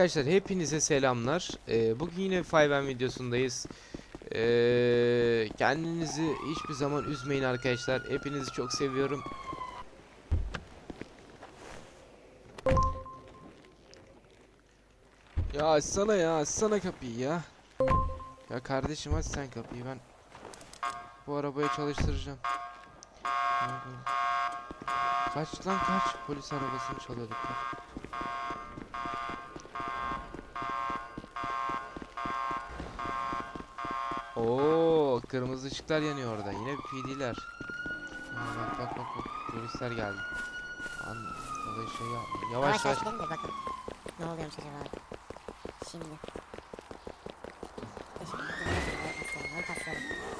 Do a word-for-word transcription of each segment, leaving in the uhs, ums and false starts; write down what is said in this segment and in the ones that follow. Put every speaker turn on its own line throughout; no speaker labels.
Arkadaşlar hepinize selamlar. Ee, bugün yine beş M videosundayız. Ee, kendinizi hiçbir zaman üzmeyin arkadaşlar. Hepinizi çok seviyorum. Ya açsana ya açsana kapıyı ya. Ya kardeşim aç sen kapıyı, ben bu arabayı çalıştıracağım. Kaç lan kaç, polis arabasını çalıyorduk. Oo, kırmızı ışıklar yanıyor orada. Yine P D'ler. Bak bak bak bak, polisler geldi. An Olay şey ya. Yavaş
Yavaş
yavaş.
gidelim de bakın. Ne oluyormuş acaba? Şimdi. Teşekkür ederim. Paslayalım. Paslayalım.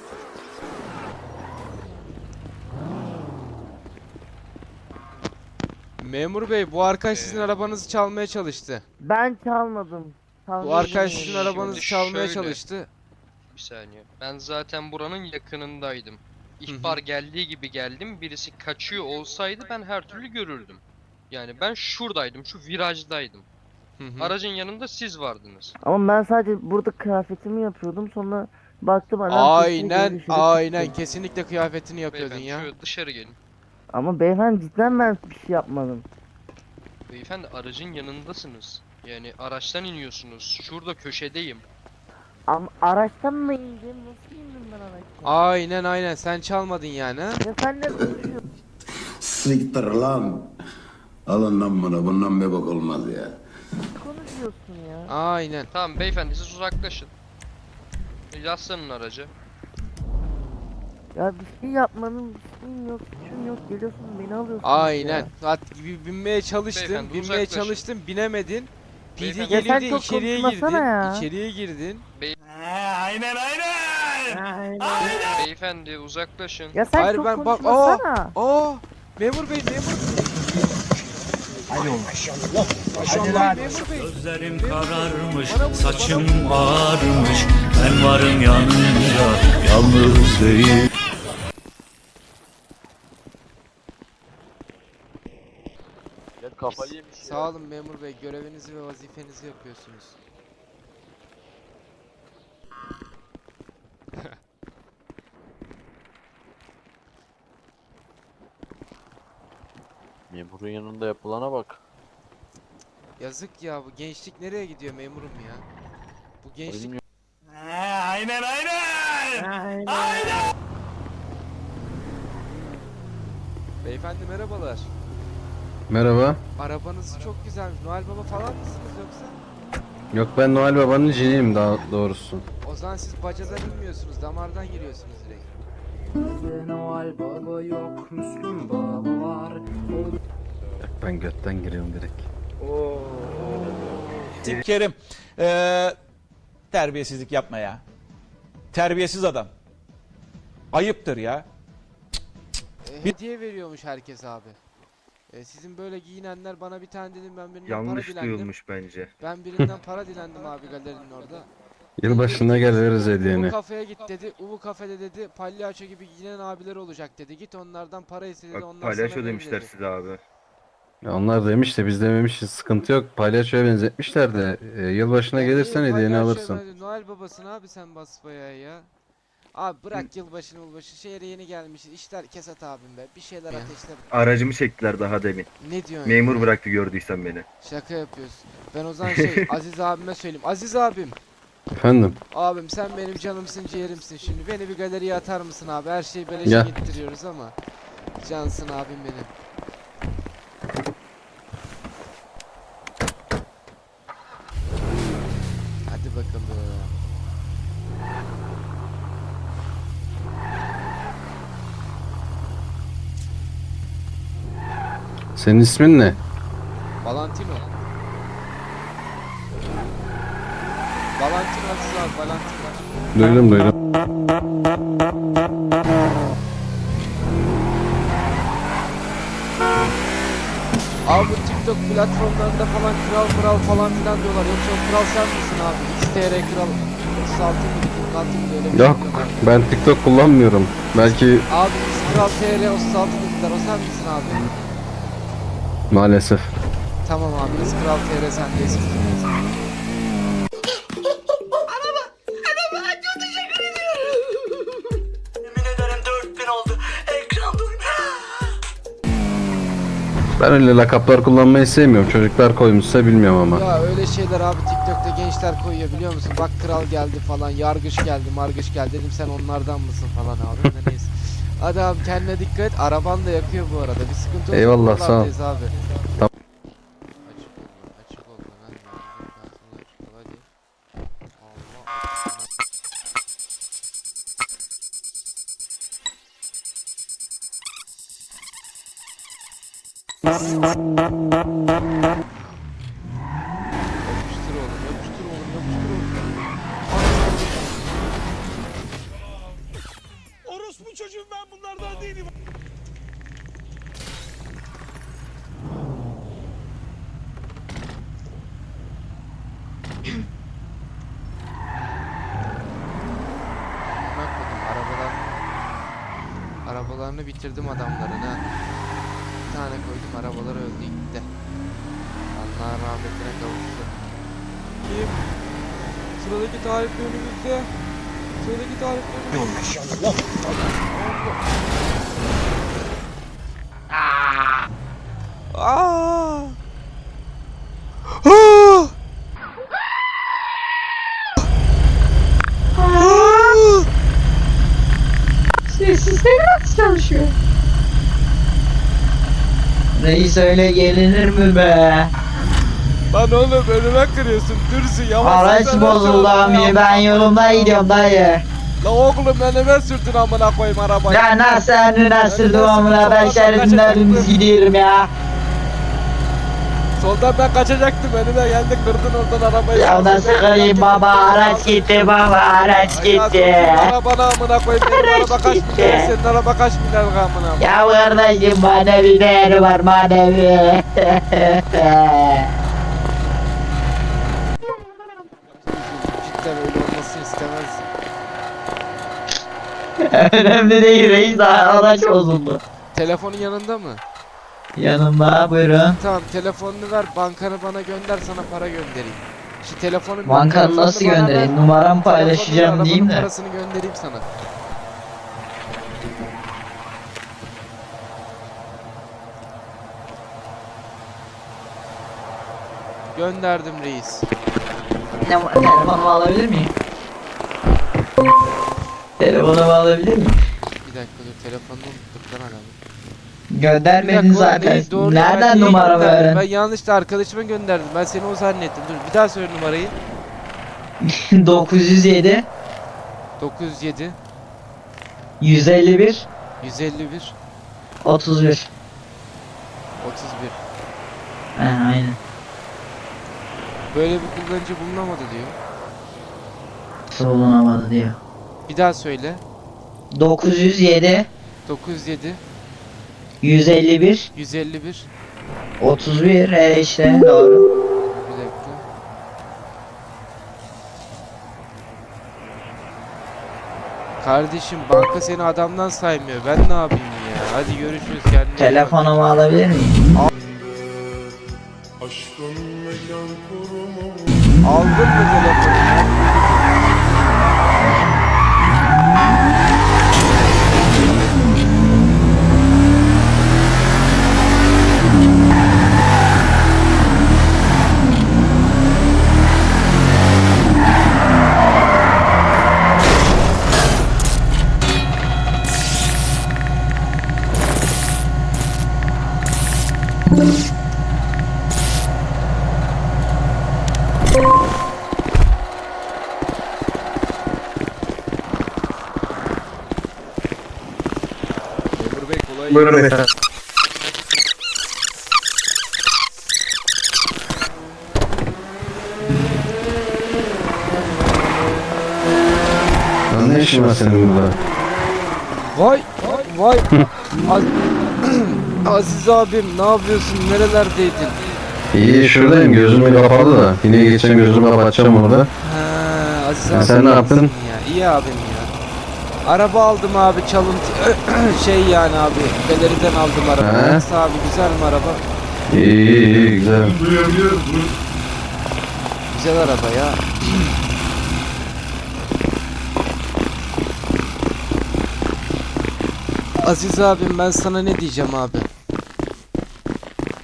Memur bey, bu arkadaş sizin
Ee,
arabanızı çalmaya çalıştı.
Ben çalmadım. Çalmadım.
Bu arkadaş sizin
Şimdi
arabanızı çalmaya
şöyle.
çalıştı.
Bir saniye. Ben zaten buranın yakınındaydım. İhbar geldiği gibi geldim. Birisi kaçıyor olsaydı ben her türlü görürdüm. Yani ben şuradaydım, şu virajdaydım.
Hı hı.
Aracın yanında siz vardınız.
Ama ben sadece burada kıyafetimi yapıyordum, sonra baktım adam sesini
Aynen
geri dışarı
aynen
çıktı.
kesinlikle kıyafetini yapıyordun
Beyefendi
ya.
şöyle dışarı gelin.
Ama beyefendi cidden ben bir şey yapmadım.
Beyefendi aracın yanındasınız. Yani araçtan iniyorsunuz. Şurada köşedeyim.
Ama araçtan mı indim? Nasıl indim ben araçtan?
Aynen aynen, sen çalmadın yani ha.
Ya sen ne konuşuyorsun?
Siktir lan. Alın lan bunu. Bundan bir bak olmaz ya.
Ne konuşuyorsun ya?
Aynen.
Tamam beyefendi siz uzaklaşın. Yaslanın araca.
Ya bir şey yapmadım, bir şeyim yok, suçum yok. Geliyorsun beni alıyorsun.
Aynen.
Ya.
Hat gibi binmeye çalıştın,
Beyefendi,
binmeye
uzaklaşın.
çalıştın, binemedin. P D
Beyefendi-
geliyor
Ya sen
diye
çok
içeriye
konuşmasana
girdin.
ya.
İçeriye girdin.
Beyefendi uzaklaşın.
Ya sen
Hayır,
çok
ben bak-
konuşmasana.
Aa! Memur bey, memur. Maşallah. Memur bey.
Gözlerim kararmış, saçım ağarmış. Ben varım yanında, yalnız değil.
Ya kafayı yemiş ya.
Sağ olun memur bey, görevinizi ve vazifenizi yapıyorsunuz.
Memurun yanında yapılana bak.
Yazık ya, bu gençlik nereye gidiyor memurum ya? Bu gençlik...
Benim
Aynen aynen.
Beyefendi merhabalar.
Merhaba.
Arabanız çok güzelmiş. Noel Baba falan mısınız yoksa?
Yok, ben Noel Baba'nın ciniyim daha doğrusu.
O zaman siz bacadan inmiyorsunuz, damardan giriyorsunuz direkt.
Noel Baba yok, Müslüm Baba var.
Yok, ben götten giriyorum direkt.
Kerim, eee terbiyesizlik yapma ya. Terbiyesiz adam. Ayıptır ya.
E, hediye veriyormuş herkes abi. E, sizin böyle giyinenler bana bir tane dedim, ben birinden para dilendim.
bence.
Ben birinden para dilendim abi galerinin orada.
Yılbaşına gel veririz
Bu
hediyeni.
kafeye git dedi. Ubu kafede dedi. Palyaço gibi giyinen abiler olacak dedi. Git onlardan para iste dedi. Onlar sana verir dedi.
size abi. Ya onlar demiş de biz dememişiz, sıkıntı yok. Palyaçoya benzetmişler de e, yılbaşına
Ya
gelirsen
niye
hediyeni
palyaço
alırsın.
ben- Noel babasın abi sen basbayağı ya. Abi bırak yılbaşını yılbaşı. Şehre yeni gelmişiz. İşler kesat abim be. Bir şeyler ateşle.
Aracımı çektiler daha demin.
Ne diyorsun ya?
bıraktı gördüysen beni.
Şaka yapıyorsun. Ben o zaman şey Aziz abime söyleyeyim. Aziz abim.
Efendim?
Abim sen benim canımsın, ciğerimsin şimdi. Beni bir galeriye atar mısın abi? Her şeyi beleşe
Ya.
gittiriyoruz ama. Cansın abim benim. Hadi bakalım.
Senin ismin ne?
Valentino. Valentino Aziz abi, Valentino.
Duydum duydum.
Abi bu TikTok platformlarında falan kral kral falan filan diyorlar. Yoksa o kral sen misin abi? X T R kral otuz altı mı? kırk altı mı? Öyle bir şey
Yok,
diyorlar.
ben TikTok kullanmıyorum. Belki
Abi X kral T R otuz altı dediler. O sen misin abi?
maalesef.
Tamam abi, X kral T R sendeyiz.
Ben öyle lakaplar kullanmayı sevmiyorum. Çocuklar koymuşsa bilmiyorum ama.
Ya öyle şeyler abi TikTok'ta gençler koyuyor biliyor musun? Bak kral geldi falan, yargıç geldi, margıç geldi. Dedim sen onlardan mısın falan abi. Ne neyse. Hadi abi kendine dikkat et. Araban da yakıyor bu arada. Bir sıkıntı olursa
Eyvallah, sağ ol.
buralardayız abi.
Tamam.
Açık ol lan, açık ol lan. Hadi, hadi, hadi. Allah. Yapıştır oğlum, yapıştır oğlum, yapıştır oğlum.
Orospu çocuğum ben bunlardan değilim.
Bak bakayım arabalar. Arabalarını bitirdim adamların ha. Bir tane koydum arabaları öldü gitti. Allah rahmetine kavuştu. Kim? Sıradaki tarifli önümüzde. Sıradaki tarifli önümüzde. Maşallah. Aa! Aa!
Reis öyle gelinir mi be?
Lan oğlum önüme kırıyorsun. Dürsün yavaş.
Araç
sürsene
bozuldu
şöyle
abi
ya.
ben yolumda gidiyorum dayı.
La oğlum önüme sürdün amına koyayım arabayı.
Ya nasıl önüne sürdüm amına ben şeridinden dümdüz gidiyorum ya.
Soldan ben kaçacaktım önüme geldi kırdın oradan arabayı.
Ya nasıl kırayım baba araç gitti baba araç
Ay ya,
gitti.
soktum arabana amına koyayım benim
Araç
araba kaç
gitti.
milyar senin araba kaç milyar amına.
Ya kardeşim manevi değeri var manevi.
Cidden öyle olmasını istemezdim.
Önemli değil reis araç bozuldu.
Telefonun yanında mı?
Yanımda buyurun.
Tamam telefonunu ver bankanı bana gönder sana para göndereyim. Şu telefonu
Bankanı
telefonunu
nasıl
bana ver,
göndereyim? Numaramı
telefonunu,
paylaşacağım
arabanın
diyeyim de.
parasını göndereyim sana. Gönderdim reis.
Ne, telefonumu alabilir miyim? Telefonumu alabilir miyim?
Bir dakika dur telefonunu unuttuk lan adamı.
Göndermedin
Bir dakika,
zaten.
neyi- doğru, ben
Nereden
neyi
numaramı
gönderdim?
öğren?
Ben yanlışlıkla arkadaşıma gönderdim. Ben seni o zannettim. Dur bir daha söyle numarayı.
dokuz yüz yedi
dokuz yüz yedi
yüz elli bir
yüz elli bir
otuz bir.
otuz bir.
He aynen.
Böyle bir kullanıcı bulunamadı diyor.
Bulunamadı diyor.
Bir daha söyle.
dokuz yüz yedi
dokuz yüz yedi
yüz elli bir
yüz elli bir
otuz bir he işte doğru.
Bir dakika. Kardeşim banka seni adamdan saymıyor. Ben ne yapayım ya? Hadi görüşürüz kendine. iyi bak.
Telefonumu alabilir miyim?
Aldın mı telefonu? Memur Bey kolay
Buyurun efendim. Lan ne işin var senin burada?
Vay vay Az Aziz abim ne yapıyorsun nerelerdeydin?
İyi şuradayım gözüm kapalı da. Yine geçen gözümü kapatacağım orada.
Ha, Aziz
Ya
abi
sen ne
nasılsın
yaptın?
Ya? İyi abim ya. Araba aldım abi çalıntı şey yani abi galeriden aldım araba.
He?
Nasıl abi güzel mi araba?
İyi iyi, iyi güzel.
Güzel araba ya. Aziz abim ben sana ne diyeceğim abi?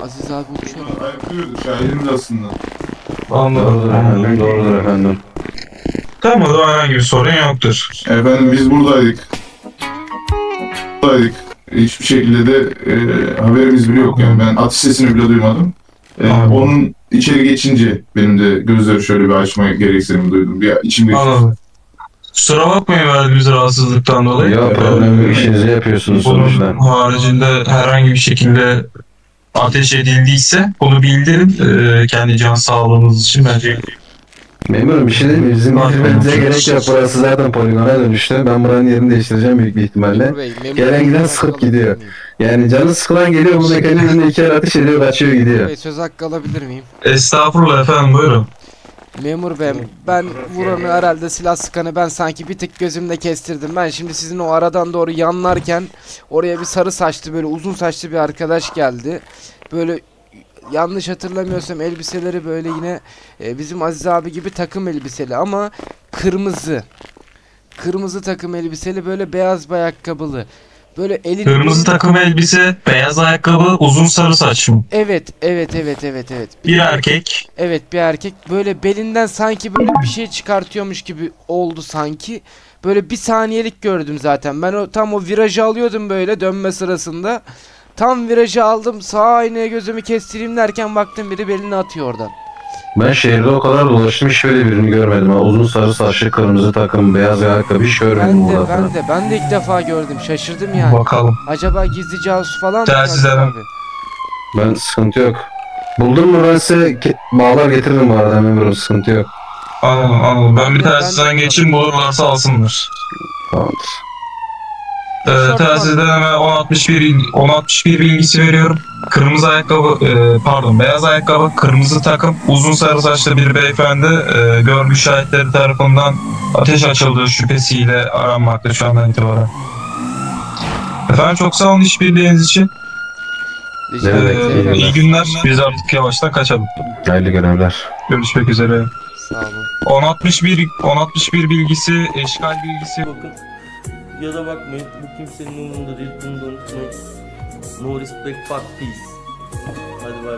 Aziz abi uçuyor.
Şahidimiz aslında.
Doğrudur efendim, doğrudur efendim.
Tamam, o zaman herhangi bir sorun yoktur.
Efendim biz buradaydık. Buradaydık. Hiçbir şekilde de e, haberimiz bile yok yani. Ben atış sesini bile duymadım. E,
Anladım.
onun içeri geçince benim de gözleri şöyle bir açma gereksinimi duydum. Bir içimde
Anladım. Kusura bakmayın verdiğimiz rahatsızlıktan dolayı.
Ya problem yok,
Ee,
işinizi yapıyorsunuz
Bunun
sonuçta.
haricinde herhangi bir şekilde ateş edildiyse bunu bildirin. Ee, kendi can sağlığınız için bence.
Memurum bir şey değil mi? Bizim
Bak,
bilmemize
bak.
gerek yok. Burası zaten poligona dönüştü. Ben buranın yerini değiştireceğim büyük bir ihtimalle.
Memur Bey, memur
Gelen
Bey,
giden
söz
sıkıp
hakkı
gidiyor.
alabilir miyim?
Yani canı sıkılan geliyor, bu mekanın önüne iki el ateş ediyor, kaçıyor
Memur
gidiyor.
Bey, söz hakkı alabilir miyim?
Estağfurullah efendim, buyurun.
Memur bey, ben vuranı herhalde silah sıkanı ben sanki bir tık gözümde kestirdim. Ben şimdi sizin o aradan doğru yanlarken oraya bir sarı saçlı böyle uzun saçlı bir arkadaş geldi. Böyle yanlış hatırlamıyorsam elbiseleri böyle yine e, bizim Aziz abi gibi takım elbiseli ama kırmızı. Kırmızı takım elbiseli böyle beyaz bir ayakkabılı. Böyle elini
Kırmızı takım elbise, beyaz ayakkabı, uzun sarı saç mı?
Evet, evet, evet, evet, evet.
Bir erkek.
Evet, bir erkek böyle belinden sanki böyle bir şey çıkartıyormuş gibi oldu sanki. Böyle bir saniyelik gördüm zaten. Ben o tam o virajı alıyordum böyle dönme sırasında. Tam virajı aldım, sağ aynaya gözümü kestireyim derken baktım biri belini atıyor oradan.
Ben şehirde o kadar dolaştım, hiç böyle birini görmedim. Ha. Uzun sarı saçlı, kırmızı takım, beyaz ayakkabı hiç görmedim
Ben de
burada.
ben de ben de ilk defa gördüm. Şaşırdım yani.
Bakalım.
Acaba gizli casus falan mı?
Telsizlerden.
Abi?
Ben sıkıntı yok. Buldum mu ben size ke- bağlar getiririm bu arada memurum, sıkıntı yok.
Anladım, anladım. Ben bir
Ben-
telsizden
ben-
geçeyim, bulurlarsa alsınlar.
Tamamdır.
Ee, telsizden hemen on altmış bir on altmış bir bilgisi veriyorum. Kırmızı ayakkabı, e, pardon beyaz ayakkabı, kırmızı takım, uzun sarı saçlı bir beyefendi e, görgü şahitleri tarafından ateş açıldığı şüphesiyle aranmakta şu andan itibaren. Efendim çok sağ olun işbirliğiniz için.
Rica
Evet,
ederim.
Ee,
iyi
iyi günler. Biz artık yavaştan kaçalım.
Hayırlı görevler.
Görüşmek üzere.
Sağ olun.
on altmış bir on altmış bir bilgisi, eşkal bilgisi.
Bakın ya da bakmayın, bu kimsenin umurunda değil, bunu da unutmayın. No respect, fuck peace. Hadi bay.